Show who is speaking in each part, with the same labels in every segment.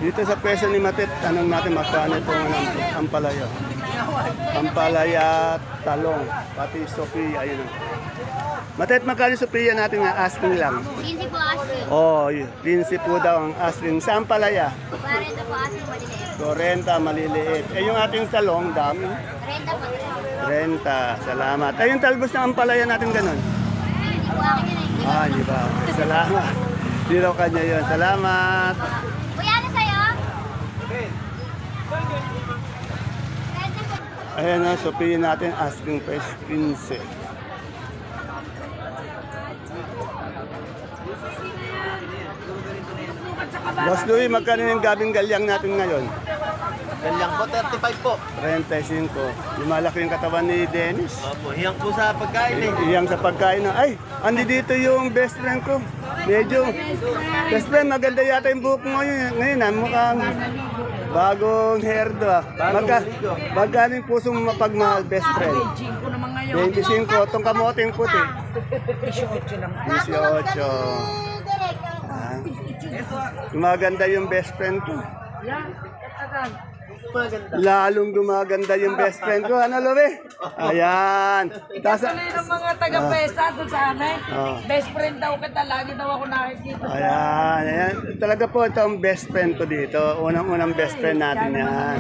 Speaker 1: Dito sa presyo ni Matet, tanong natin magkano itong ampalaya. Ampalaya, talong, pati Sophia, ayun. Matet, magkano Sophia natin nga asking lang?
Speaker 2: 15 po asking.
Speaker 1: Oh, 15 po daw ang asking. Sa ampalaya?
Speaker 2: 40 po asking maliliit.
Speaker 1: 40, maliliit. Eh, yung ating talong, dami.
Speaker 2: 30 po.
Speaker 1: 30, salamat. Ay, yung talbos ng ampalaya natin ganun.
Speaker 2: Hindi po akin yun eh.
Speaker 1: Ah, di ba? Okay, salamat. Di raw kanya yun. Salamat.
Speaker 2: Kuya, ano sa'yo?
Speaker 1: Ayan na, Sophia natin, asking price 15. Boss Louie, magkano yung gabing galyang natin ngayon?
Speaker 3: Galyang po, 35 po.
Speaker 1: 35. Yung malaki yung katawan ni Dennis.
Speaker 3: Opo, hiyang po sa pagkain eh.
Speaker 1: Iyang sa pagkain na, ay, andi dito yung best friend ko. Medyo, best friend, maganda yata yung buhok mo ngayon ah, mukhang bagong hairdo ah. Magkano yung puso mo mapagmahal, best friend? 25, itong kamoting puti. 18 lang. 18. Ah, gumaganda yung best friend ko. Lalong gumaganda yung best friend ko. Ano, Lobe? Ayan.
Speaker 4: Tuloy ng mga taga-pesa doon sa amin.
Speaker 1: Ah.
Speaker 4: Best friend daw kita, lagi daw ako nakikita.
Speaker 1: Ayan, ayan. Talaga po ito ang best friend ko dito. Unang-unang best friend natin yan.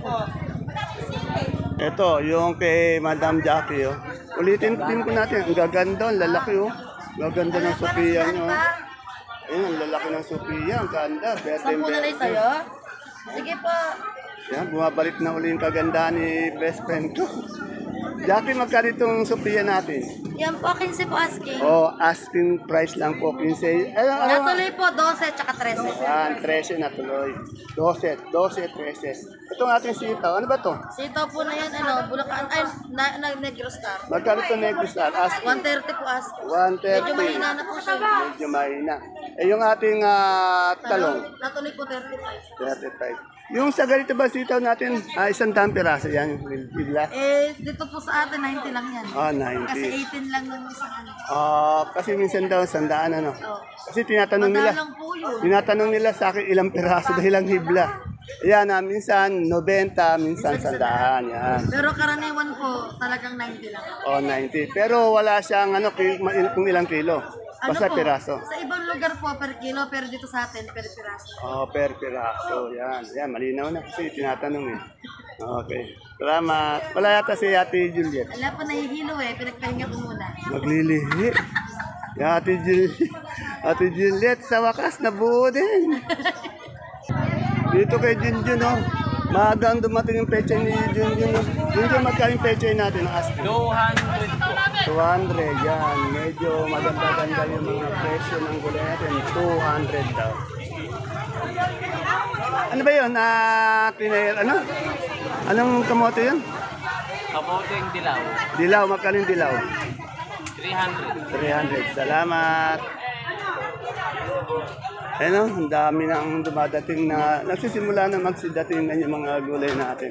Speaker 1: Ito, yung kay Madam Jackie. Oh. Ulitin din po natin. Ang gaganda, ang lalaki. Oh. Gaganda ng Sophia nyo. Ayun, ang lalaki ng Sophia. Ang ganda.
Speaker 4: Sampu na lang sa'yo? Sige po.
Speaker 1: Yan, bumabalik na uli yung kaganda ni best friend ko. Jackie, magkano itong Sophia natin?
Speaker 4: Yan po, 15 po asking.
Speaker 1: Oh, asking price lang po, 15.
Speaker 4: Natuloy po, 12 tsaka 13.
Speaker 1: Yan, 13 na tuloy. 12, 13. Itong ating sitaw, ano ba to?
Speaker 4: Sitaw po na yan, Bulacan, Negro Star.
Speaker 1: Magkano ito Negros Star? Asking
Speaker 4: 130 po asking.
Speaker 1: 130.
Speaker 4: Medyo mahina na po siya.
Speaker 1: Medyo mahina. Eh, yung ating talong,
Speaker 4: Natuloy po 35.
Speaker 1: 35. Yung sa ganito ba sitaw natin, isang daan piraso yan, bigla.
Speaker 4: Dito po sa atin, 90 lang yan.
Speaker 1: Ah,
Speaker 4: Kasi
Speaker 1: 90.
Speaker 4: 18 lang ng isang ano.
Speaker 1: Kasi minsan daw, sandaan ano.
Speaker 4: Oh.
Speaker 1: Kasi tinatanong nila.
Speaker 4: Madalang po yun.
Speaker 1: Tinatanong nila sa akin ilang piraso dahil lang hibla. Yan, minsan 90, minsan 100. Yan.
Speaker 4: Pero karaniwan po, talagang 90 lang.
Speaker 1: O 90. Pero wala siyang kung ilang kilo. Basta
Speaker 4: po,
Speaker 1: piraso.
Speaker 4: Sa ibang lugar po per kilo, pero dito sa atin per piraso.
Speaker 1: Per piraso. Yan. Yan, malinaw na kasi tinatanong eh. Okay. Salamat. Wala yata si Ate Juliet.
Speaker 4: Wala po nahihilo pinagpahinga ko muna.
Speaker 1: Maglilihi. Yung Ate Juliet. Ate Juliet, sa wakas, nabuo din. Dito kay Junjun, oh. Maagang dumating yung pecha ni Junjun. Oh. Junjun, magkano yung pecha natin? Ask.
Speaker 3: 200 po.
Speaker 1: 200, yan. Medyo maganda-ganda yung mga presyo ng gulay natin. 200 daw. Ano ba yun? Ano? Anong kamote yun?
Speaker 3: Kamote yung dilaw.
Speaker 1: Dilaw, magkano yung dilaw? 300.
Speaker 3: 300.
Speaker 1: Salamat. Ano, ang dami na ang dumadating na, nagsisimula na magsidating na yung mga gulay natin.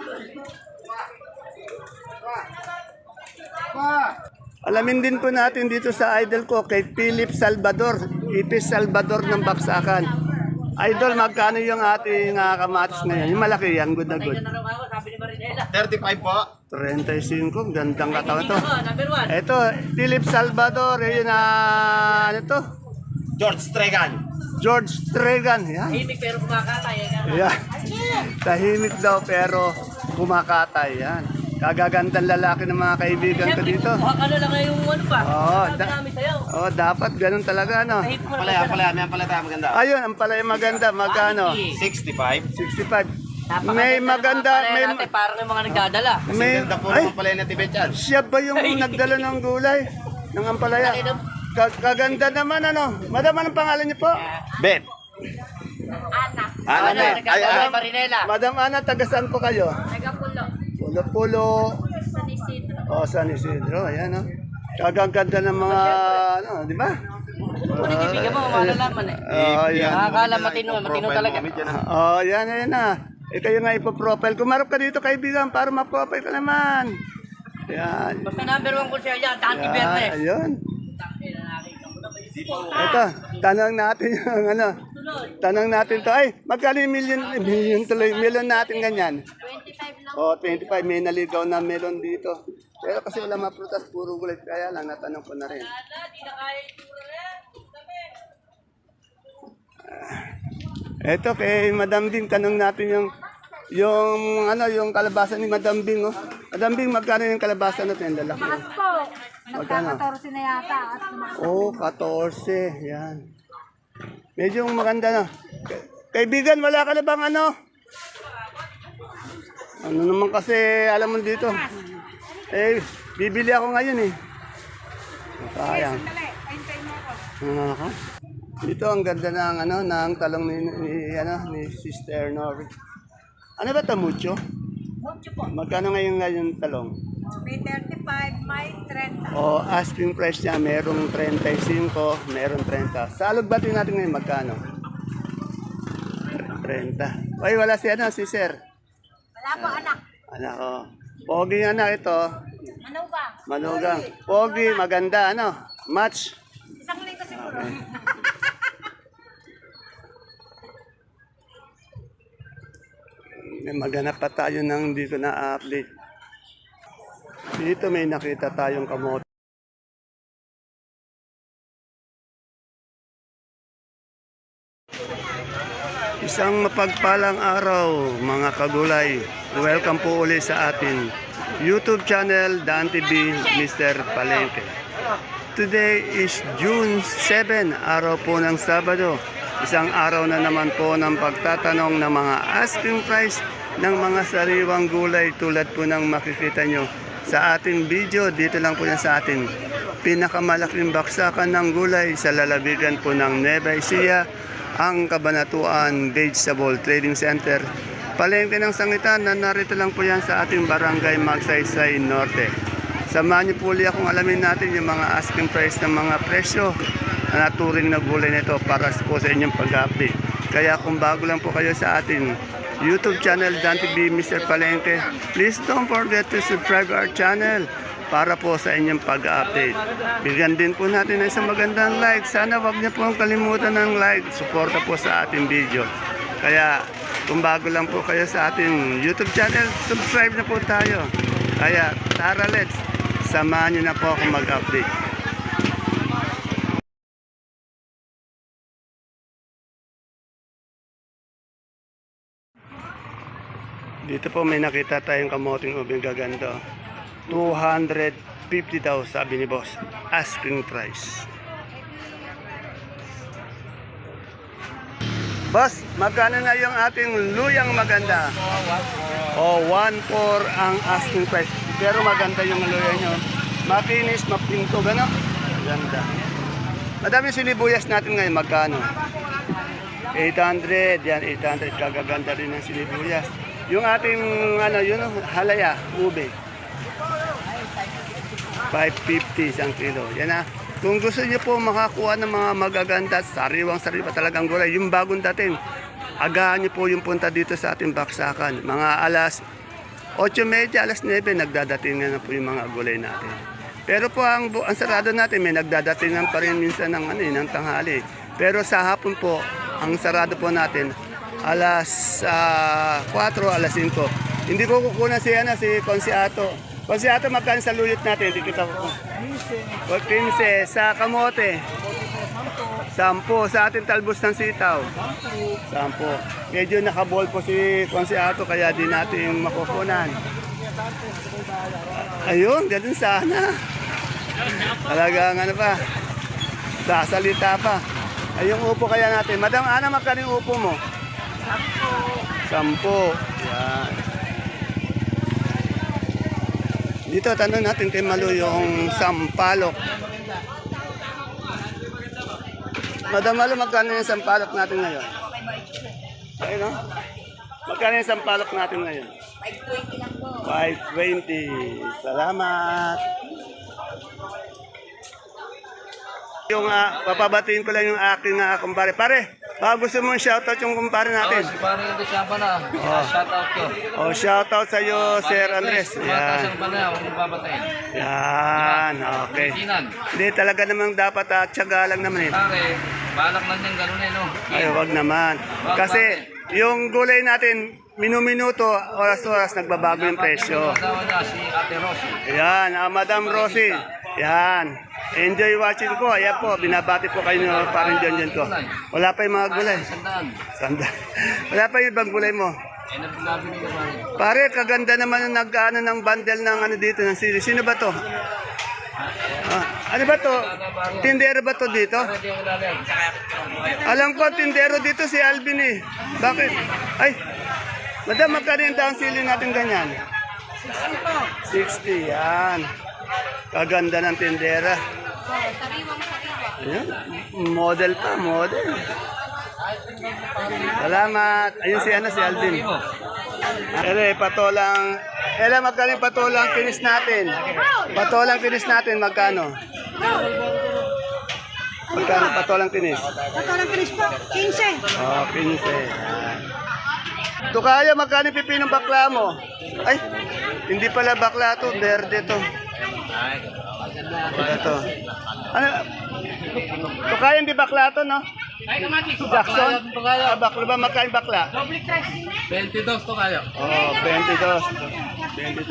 Speaker 1: Alamin din po natin dito sa idol ko, kay Philip Salvador, Ipis Salvador ng Baksakan. Idol, magkano yung ating kamatis ngayon? Yung malaki yan, good na good.
Speaker 3: 35 po.
Speaker 1: 35, gandang katawan to. Ito, Philip Salvador, yun ano to?
Speaker 3: George Stregan.
Speaker 1: George Stregan, yan.
Speaker 4: Tahimik pero kumakatay.
Speaker 1: Yan. Tahimik daw pero kumakatay, yan. Kagagandang lalaki ng mga kaibigan ko dito.
Speaker 4: Ano lang yung ano pa?
Speaker 1: Dapat ganun talaga, no?
Speaker 3: Palaya, may palaya maganda.
Speaker 1: Ayun, ang palaya maganda, magkano?
Speaker 3: 65.
Speaker 1: 65. May maganda, may...
Speaker 4: Parang yung mga nagdadala.
Speaker 1: may
Speaker 3: Ganda po
Speaker 1: ay,
Speaker 3: naman palaya na Tibet yan.
Speaker 1: siya ba yung nagdala ng gulay? Ng ampalaya? Kaganda naman, ano? Madam, anong pangalan niyo po?
Speaker 3: Bet. Ana. Bet. Ay,
Speaker 4: Marinela.
Speaker 1: Madam Ana, taga saan po kayo?
Speaker 4: Nagapulo.
Speaker 1: Pulo-pulo.
Speaker 4: San Isidro.
Speaker 1: San Isidro, ayan, no? Kagaganda ng mga, ano, di ba?
Speaker 4: Bibigyan mo, malalaman
Speaker 1: Yan.
Speaker 4: Nakakala matino talaga.
Speaker 1: Yan na. Kayo nga ipoprofile. Kumarap ka dito, kaibigan, para ma-profile ka naman. Yan.
Speaker 4: Basta number 1 ko siya yan, Dante Verde.
Speaker 1: Ayun. Ito, tanong natin yung ano, Tanong natin to. Ay, magkano yung million tuloy, melon natin ganyan?
Speaker 4: 25 lang.
Speaker 1: O, 25. May naligaw na melon dito. Pero kasi wala maprutas, puro gulay. Kaya lang, natanong ko na rin. Eto kay Madam Bing, tanong natin yung kalabasa ni Madam Bing, oh. Madam Bing, magkano yung kalabasa natin? Lalaki.
Speaker 2: Tumakas po.
Speaker 1: Magkano?
Speaker 2: Nagka-14 na yata at tumakas.
Speaker 1: Oh, 14. Yan. Medyo maganda na. Kaibigan, wala ka na bang ano? Ano naman kasi, alam mo dito. Eh, bibili ako ngayon eh. Sayang. Ako. Dito ang ganda ng talong ni Sister Nori. Ano ba ito, mucho?
Speaker 4: Mucho po.
Speaker 1: Magkano ngayon talong?
Speaker 4: May 35, may 30.
Speaker 1: O asking price niya, merong 35, merong 30. Sa alugbati natin ngayon, magkano? 30. Ay, wala si Sir.
Speaker 4: Wala po anak.
Speaker 1: Anak ko. Pogi anak ito.
Speaker 4: Ano ba?
Speaker 1: Manugang. Pogi, maganda, match.
Speaker 4: Isang linggo siguro.
Speaker 1: Maghanap pa tayo ng hindi ko na-update. Dito may nakita tayong kamote. Isang mapagpalang araw mga kagulay. Welcome po ulit sa ating YouTube channel, Dan TV, Mr. Palengke. Today is June 7, araw po ng Sabado. Isang araw na naman po ng pagtatanong ng mga asking price ng mga sariwang gulay tulad po ng makikita nyo sa ating video. Dito lang po yan sa ating pinakamalaking baksakan ng gulay sa lalabigan po ng Nueva Ecija, ang Kabanatuan Vegetable Trading Center. Palengke ng sangitan na narito lang po yan sa ating barangay Magsaysay Norte. Samahan niyo po ulit akong alamin natin yung mga asking price ng mga presyo na naturing na gulay nito para po sa inyong pag-update. Kaya kung bago lang po kayo sa ating YouTube channel, Dan TV, Mr. Palengke, please don't forget to subscribe our channel para po sa inyong pag-update. Bigyan din po natin ng isang magandang like. Sana wag niyo po kalimutan ng like. Suporta po sa ating video. Kaya kung bago lang po kayo sa ating YouTube channel, subscribe na po tayo. Kaya tara, let's samahan niyo na po ako mag-update. Dito po may nakita tayong kamoting ubing gaganda. 250 daw sabi ni boss. Asking price. Boss, magkano na yung ating luyang maganda? O, 1.4 ang asking price. Pero maganda yung luya nyo. Makinis, mapinto, gano'n? Maganda. Madami sinibuyas natin ngayon, magkano? 800, yan 800. Kagaganda rin ng sinibuyas. Yung ating halaya, ube. 550 isang kilo. Yan na. Kung gusto niyo po makakuha ng mga magaganda, sariwang-sariwa talagang gulay, yung bagong dating, agahan niyo po yung punta dito sa ating baksakan. Mga alas 8:30, alas 9, nagdadating na po yung mga gulay natin. Pero po ang sarado natin, may nagdadatingan pa rin minsan ng tanghali. Pero sa hapon po, ang sarado po natin, alas 4, alas 5. Hindi ko kukunan si Consiato. Consiato, magkano sa luyot natin? Hindi kita ko. 15. Sa kamote? 10. Sa ating talbos ng sitaw? 10. Medyo nakabol po si Consiato kaya di natin makukunan. Ayun, ganun sana. Talagang sasalita pa. Ay, yung upo kaya natin. Madam Ana, magkano yung upo mo? 10. Yan. Dito, tanong natin kay Malu yung sampalok. Madam Malu, magkano yung sampalok natin ngayon? Ayun, no? Magkano yung sampalok natin ngayon?
Speaker 4: 520 lang po.
Speaker 1: 520. Salamat. Papabatiin ko lang yung aking kumpare. Pare, Gusto mo shoutout yung kumpare natin?
Speaker 5: Si parang hindi siya pa na. Shout out ko.
Speaker 1: Shoutout sa iyo, Sir Andres. Yan.
Speaker 5: Tumatas pa na, huwag mong babatayin.
Speaker 1: Yan, okay.
Speaker 5: Kinan.
Speaker 1: Hindi talaga namang dapat tiyaga lang naman eh.
Speaker 5: Pare, balak lang yan, ganun eh, no?
Speaker 1: Ay, wag naman. Kasi yung gulay natin, minuminuto, oras-oras nagbabago yung presyo.
Speaker 5: Yung asawa niya, si Ate Rosie.
Speaker 1: Yan, Madam Rosie. Yan. Enjoy watching ko. Ayan po, binabati po kayo ng parang dyan ko. Wala pa yung mga gulay.
Speaker 5: Sandaan.
Speaker 1: Sanda. Wala pa yung ibang gulay mo.
Speaker 5: Nabili ka pare.
Speaker 1: Pare, kaganda naman yung nag-ano ng bundle ng ano dito, ng sili. Sino ba to? Ano ba to? Tindero ba to dito?
Speaker 5: Hindi ako lalag.
Speaker 1: Alam ko, tindero dito si Alvin eh. Bakit? Ay, madam, magkano yung down sili natin ganyan? 60 yan. Kaganda ng tindera. Ayan, model pa, model. Salamat. Ayun si Alvin. Patolang. Magkano yung patolang finish natin? Patolang finish natin, magkano? Magkano patolang finish?
Speaker 2: Patolang finish po, 15.
Speaker 1: 15. Tukaya, magkano yung pipinong bakla mo? Ay, hindi pala bakla to, verde to. Ito. Ano? Tukaya, hindi bakla to, no? Jackson? Bakla ba? Magkano yung bakla?
Speaker 5: 22 to kayo.
Speaker 1: 22.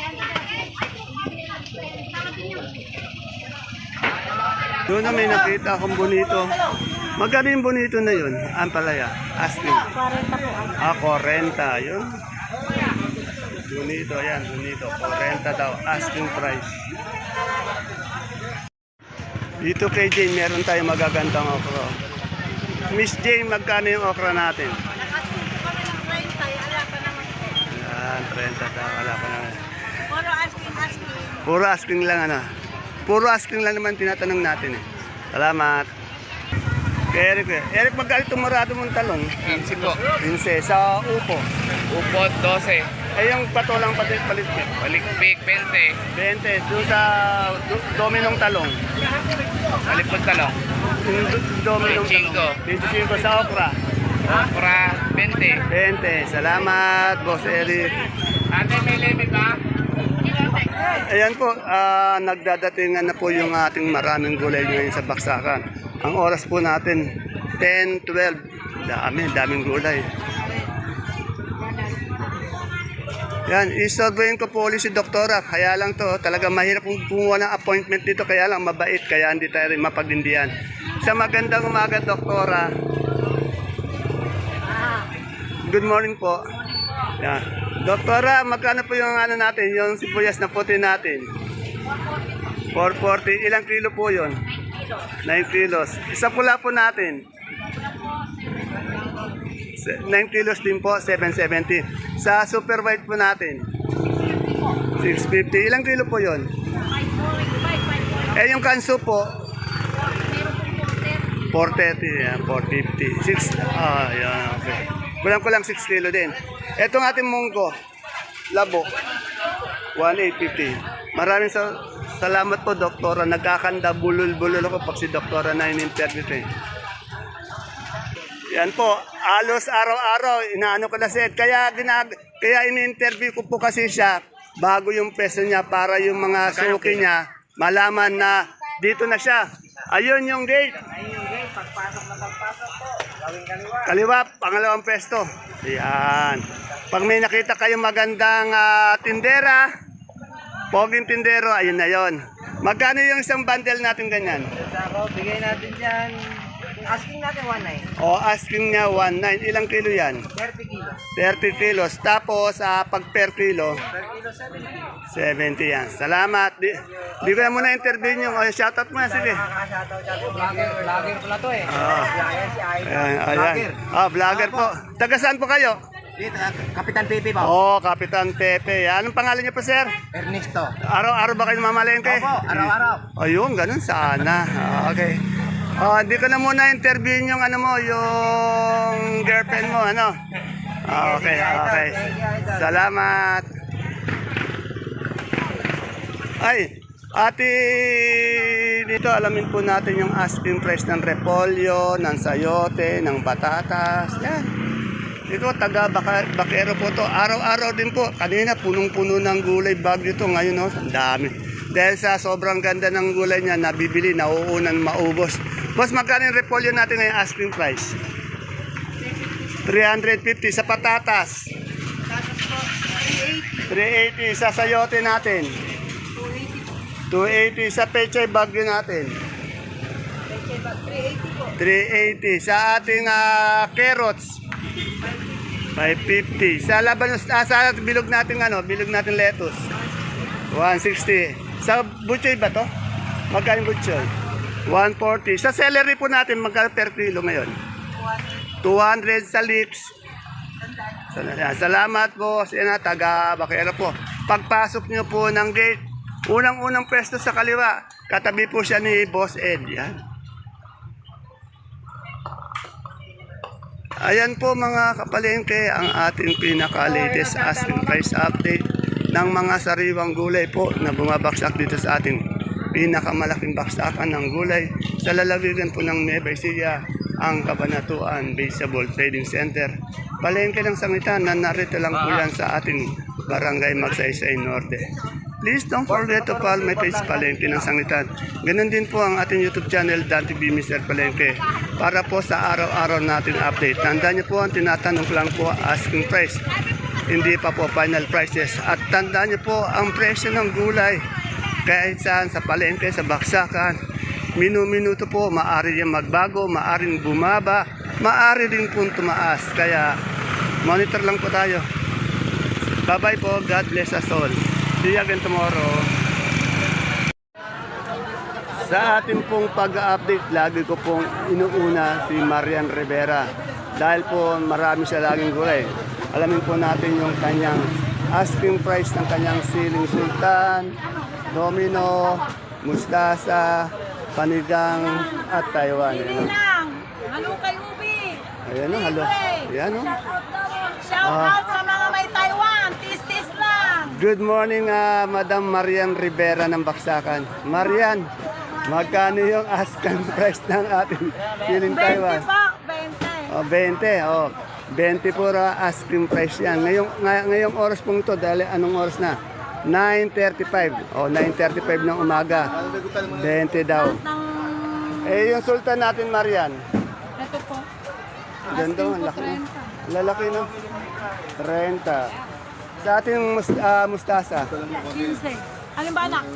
Speaker 1: Doon na may nakita akong bonito. Magkano yung bonito na yun? Ang palaya. Asking.
Speaker 2: 40 po.
Speaker 1: 40. Yun. Bonito, yan. Bonito. 40 daw. Asking price. Dito kay Jane, meron tayong magagandang okra. Miss Jane, magkano yung okra natin? Yan, 30 daw. Wala pa naman. Puro asking lang, ano? Puro asking lang naman tinatanong natin, eh. Salamat. Eric, magkano itong marado mong talong?
Speaker 5: 15 po.
Speaker 1: 15 sa upo.
Speaker 5: Upot, 12.
Speaker 1: Yung patolang palit.
Speaker 5: Balikpik, 20.
Speaker 1: 20. Doon sa dominong talong.
Speaker 5: Alipod talong.
Speaker 1: Yung dominong talong. 25 sa okra.
Speaker 5: Okra, 20.
Speaker 1: 20. Salamat, Boss Eric.
Speaker 5: Ate, may limit ba?
Speaker 1: Ayan po, nagdadatingan na po yung ating maraming gulay ngayon sa baksakan. Ang oras po natin, 10:12. Daming gulay. Yan, isurveyin ko po ulit si Doktora. Kaya lang to, talaga mahirap kumuha ng appointment dito. Kaya lang mabait, kaya hindi tayo rin mapagdindihan. Sa magandang umaga, Doktora. Good morning po. Yan. Doktora, magkano po yung ano natin, yung sibuyas na puti natin? 440. Ilang kilo po yun? 9 kilos. Isa pula po natin. 9 kilos din po, 770. Sa super white po natin, 650. Ilang kilo po yun? Yung kanso po, 430. Yan, 450. 6, yan, okay. Kulang ko lang 6 kilo din. Etong ating munggo, labo, 1,850. Maraming salamat po, Doktora. Nagkakanda, bulol-bulol ako pag si Doktora na in-interview ko. Yan po, alos araw-araw, inaano ko na siya. Kaya in-interview ko po kasi siya bago yung peso niya para yung mga suki niya malaman na dito na siya. Ayun yung gate.
Speaker 2: Pagpasok po. Gawing kaliwa.
Speaker 1: Kaliwa, pangalawang pesto. Yan. Pag may nakita kayong magandang tindera, poging tindero, ayun na yon. Magkano yung isang bundle natin ganyan?
Speaker 2: Ako, bigay natin dyan. Asking natin 1.9.
Speaker 1: Asking niya 1.9. Ilang kilo yan?
Speaker 2: 30 kilos.
Speaker 1: 30 kilos. Tapos, pag per kilo,
Speaker 2: Per kilo 70.
Speaker 1: 70 yan. Salamat. Di ko na muna interview nyo. Shoutout mo na, sige.
Speaker 2: Nakakashoutout dyan. Vlogger pala to eh. Vlogger si Ivan.
Speaker 1: Ayan. Vlogger po. Taga saan po kayo?
Speaker 2: Dito, Kapitan Pepe po.
Speaker 1: Kapitan Pepe. Anong pangalan niyo po, sir?
Speaker 2: Ernesto.
Speaker 1: Araw-araw ba kayo mamalengke?
Speaker 2: Opo, araw-araw.
Speaker 1: Ayun, ganun sana. Okay. Di ko na muna interviewin yung ano mo, yung girlfriend mo, ano? Okay. Salamat. Ay, Ate, dito alamin po natin yung asking price ng repolyo, ng sayote, ng patatas. Yan. Dito taga Bakero po to. Araw-araw din po. Kanina punong-puno ng gulay bag dito. Ngayon no, ang dami. Dahil sa sobrang ganda ng gulay niya, nabibili, nauunan maubos. Boss, magkano yung repolyo natin ngayon asking price? 350 sa patatas. 380 sa sayote natin. 280 sa pechay bagyo natin. 380 sa ating carrots. 550 sa labanos sa bilog natin bilog natin lettuce. 160 sa butchoy ba to? Magkano butchoy? 140 sa celery po natin magkano per kilo ngayon? 200 sa lips. Salamat po sa taga Bakero po. Pagpasok niyo po ng gate, unang-unang pwesto sa kaliwa, katabi po siya ni Boss Ed. Yan. Ayan po mga kapalengke ang ating pinaka-latest asking price update ng mga sariwang gulay po na bumabaksak dito sa ating pinakamalaking baksakan ng gulay sa lalawigan po ng Nueva Ecija, ang Kabanatuan Vegetable Trading Center. Palengke ng sangitan na narito lang po yan sa ating Barangay Magsaysay Norte. Please don't forget to follow my page Palengke ng Sangitan. Ganun din po ang ating YouTube channel, Dan TV Mr. Palengke, para po sa araw-araw natin update. Tandaan niyo po ang tinatanong ko lang po asking price. Hindi pa po final prices. At tandaan niyo po ang presyo ng gulay. Kahit saan, sa palengke, sa baksakan, minu-minuto po, maaari yan magbago, maaaring bumaba, maaari din po tumaas. Kaya monitor lang po tayo. Bye-bye po. God bless us all. See you again tomorrow. Sa ating pong pag-update, lagi ko pong inuuna si Marian Rivera. Dahil po marami siya laging gulay. Alamin po natin yung kanyang asking price ng kanyang siling sultan, domino, mustasa, panigang at Taiwan.
Speaker 4: Halo kay Ubi.
Speaker 1: Ayan o, halo. Ayan o.
Speaker 4: Shout out sa mga may Taiwan. Tis-tis lang.
Speaker 1: Good morning, Madam Marian Rivera ng Baksakan. Marian, magkano yung asking price ng ating siling
Speaker 4: 20
Speaker 1: Taiwan?
Speaker 4: po, 20.
Speaker 1: 20. 20 po asking price yan. Ngayong oras pong ito, dahil anong oras na? 9:35. 9:35 ng umaga. 20 daw. Eh, yung sultan natin, Marian.
Speaker 4: Ito po.
Speaker 1: Ganda, ang laki. Lalaki, no? 30. Sa ating mustasa.
Speaker 4: 15. Alin ba anak?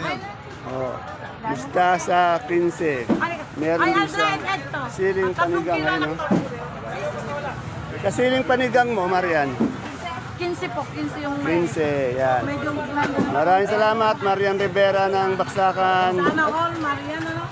Speaker 1: Mustasa, 15. Meron din sa siling panigang. Ano? Kasiling panigang mo, Marian.
Speaker 4: 15 po. 15 yung may.
Speaker 1: 15, yan.
Speaker 4: Medyo
Speaker 1: Maraming salamat, Marian Rivera ng Baksakan.
Speaker 4: sana all, Marian, ano?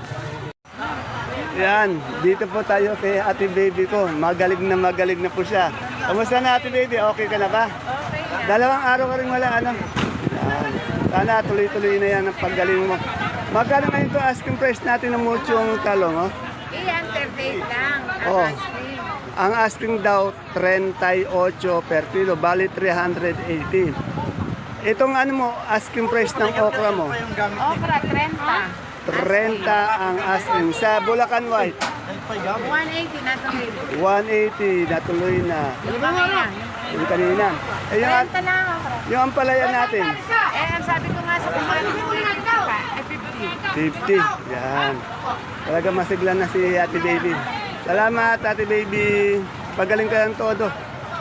Speaker 1: Yan, dito po tayo kay Ate Baby ko. Magaling na po siya. Kamusta na Ate Baby? Okay ka na ba?
Speaker 4: Okay na.
Speaker 1: Dalawang araw ka rin wala, ano? Yan. Sana tuloy-tuloy na yan ang paggaling mo. Magkano ngayon ito asking price natin ng muchong talong, oh?
Speaker 4: Iyan, 38 lang.
Speaker 1: Oh. Ang asking daw, 38 per kilo, bali 380. Itong ano mo, asking price ng okra mo?
Speaker 4: Okra, 30.
Speaker 1: 30 ang asking. Sa Bulacan White,
Speaker 4: 180 na ito.
Speaker 1: 180, natuloy na. Yung kanina. Eh, yung,
Speaker 4: 30 lang okra.
Speaker 1: yung ampalaya natin,
Speaker 4: Ang sabi ko nga sa kumari ko, ay 50.
Speaker 1: 50. Yan. Talaga masiglan na si Ate Baby. Salamat, Ate Baby. Pagaling ka ng todo.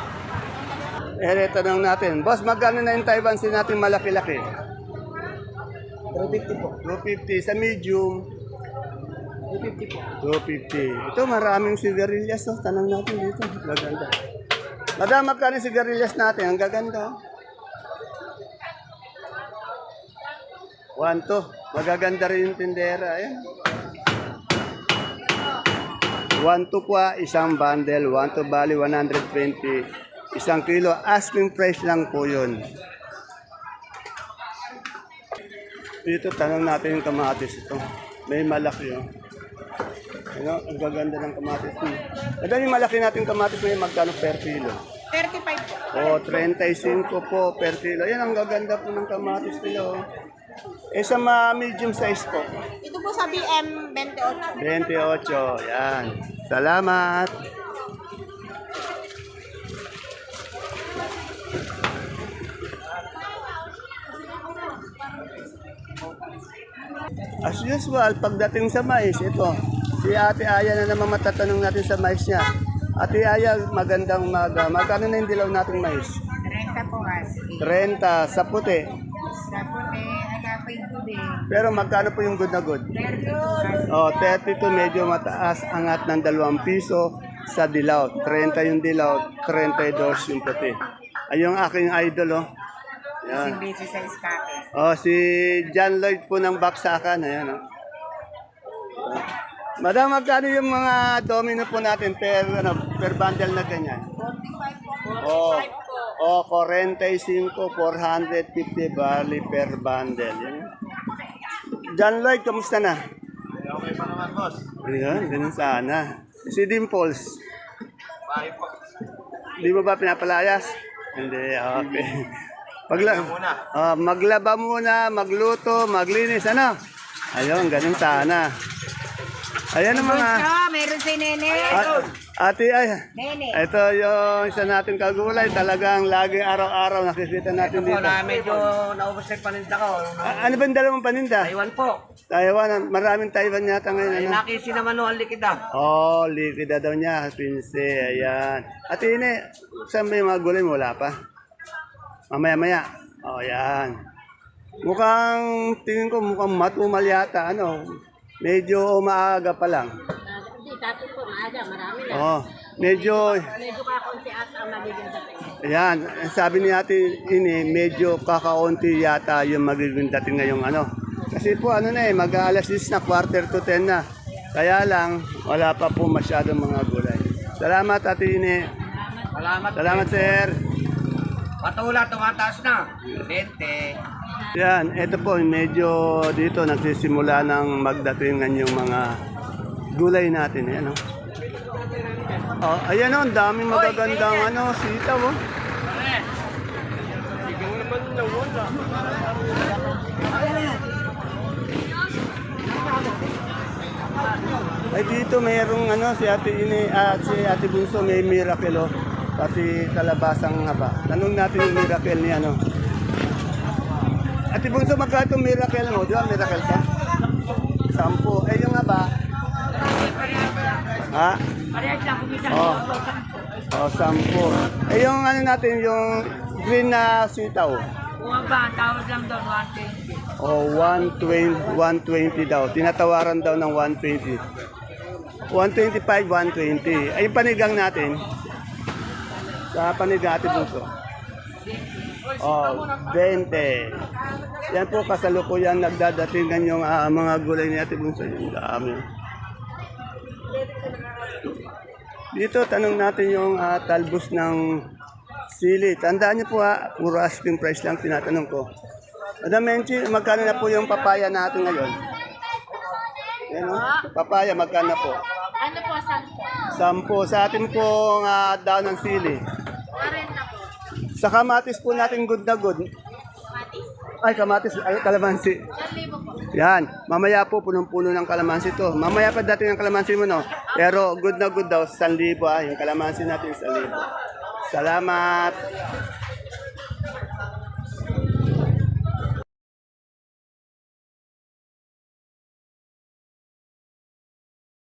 Speaker 1: Tanong natin. Boss, magkano na yung Taiwan sin natin malaki-laki? 250 po. 250. Sa medium? 250 po. 250. Ito, maraming sigarilyas. Oh. Tanong natin dito. Maganda. Madam, magkano yung sigarilyas natin? Ang gaganda. 1 to. Magaganda rin yung tindera. Ayan. 1 to kwa, isang bundle. 1 to bali, 120. Isang kilo. Asking price lang po yun. Dito, tanong natin yung kamatis ito. May malaki, oh. Ano, ang gaganda ng kamatis mo. Madami malaki natin kamatis ngayon, magkano per kilo?
Speaker 4: 35 po.
Speaker 1: O, 35 po per kilo. Yan, ang gaganda po ng kamatis nila, oh. Eh sa medium size po?
Speaker 4: Ito po sa BM 28.
Speaker 1: 28, yan. Salamat. As usual, pagdating sa mais, ito, si Ate Aya na naman matatanong natin sa mais niya. Ate Aya, magandang umaga. Magkano na yung dilaw nating mais?
Speaker 4: 30 po kasi.
Speaker 1: 30 sa puti.
Speaker 4: Sa puti, agapay po din.
Speaker 1: Pero magkano po yung good na good? Oh, 32 medyo mataas, angat ng 2 piso sa dilaw. 30 yung dilaw, 32 yung puti. Ay yung aking idol, oh. Yan.
Speaker 4: Busy sa iskate.
Speaker 1: Oh, si John Lloyd po ng Baksakan. Ayan, oh. Madam, magkano yung mga domino po natin per bundle na ganyan?
Speaker 4: 45 po.
Speaker 1: Oh, 45, 450 barley per bundle. Yan. John Lloyd, kamusta na?
Speaker 3: Okay pa naman, boss.
Speaker 1: Ayan, ganun sana. Si Dimples,
Speaker 3: Bahay po.
Speaker 1: di mo ba pinapalayas? Hindi, okay. Maglaba muna, magluto, maglinis, ano? Ayun, ganun sana. Ayan ang mga...
Speaker 4: Meron si Nene.
Speaker 1: Ate, ay,
Speaker 4: Nene.
Speaker 1: ito yung isa natin kagulay. Talagang lagi araw-araw nakikita natin dito.
Speaker 2: Medyo naubos na yung paninda ko.
Speaker 1: Ano ba yung dalawang paninda?
Speaker 2: Taiwan po.
Speaker 1: Taiwan, maraming Taiwan yata ngayon.
Speaker 2: Ay,
Speaker 1: Ano?
Speaker 2: nakisi naman no, ang likida.
Speaker 1: Oh, likida daw niya, pinse, ayan. Ate Ine, saan ba yung mga gulay mo? Wala pa? Mamaya-maya. Oh, ayan. Mukhang, tingin ko mukhang matumal yata, ano. Medyo maaga pa lang.
Speaker 4: Hindi, dati po, maaga, marami na.
Speaker 1: Oh, medyo,
Speaker 4: Medyo kakunti at ang nagiging dating.
Speaker 1: ayan, sabi ni Ate Ine, medyo kakaunti yata yung magiging dating ngayong ano. Kasi po ano na eh, mag-aalas 10 na, quarter to 10 na. Kaya lang, wala pa po masyadong mga gulay. Salamat Ate Ine.
Speaker 2: Salamat.
Speaker 1: Salamat sir.
Speaker 2: Patula, tumataas na. 20.
Speaker 1: Yan, ito po, medyo dito nagsisimula ng magdatingan yung mga gulay natin. Ayan, oh. Oh, ayan oh, ang daming magagandang ano, sitaw. Oh. Ay dito mayroong ano si Ate Ine at si Ate Bunso may miracle oh. Pati kalabasang haba. Tanong natin yung miracle ni ano. Ate Bunso, magkano itong miracle mo? Di ba miracle ka? 10. Eh yung haba? Ha? Oh. Oh, 10. Eh yung ano natin, yung green na sitaw.
Speaker 4: Bumaba, tawad lang doon, 120.
Speaker 1: Oh, 120 daw. Tinatawaran daw ng 120. 125, 120. Ay, yung panigang natin. Sa panigang Ate Bunso. Oh, 20. Yan po kasalukuyan nagdadatingan yung mga gulay ni Ate Bunso. Yung dami. Dito, tanong natin yung talbos ng sili. Tandaan niyo po puro asking price lang tinatanong ko. Madam Menchi, magkano na po yung papaya natin ngayon? Yan, papaya, magkano po?
Speaker 4: Ano po,
Speaker 1: 10. Sa atin po daw ng sili.
Speaker 4: 40 po.
Speaker 1: Sa kamatis po natin good na good. Ay, kamatis, kalamansi.
Speaker 4: 1,000 po.
Speaker 1: Yan, mamaya po punong-puno ng kalamansi to. Mamaya pa dating ang kalamansi mo, no? Pero good na good daw, 1,000 yung kalamansi natin 1,000. Salamat.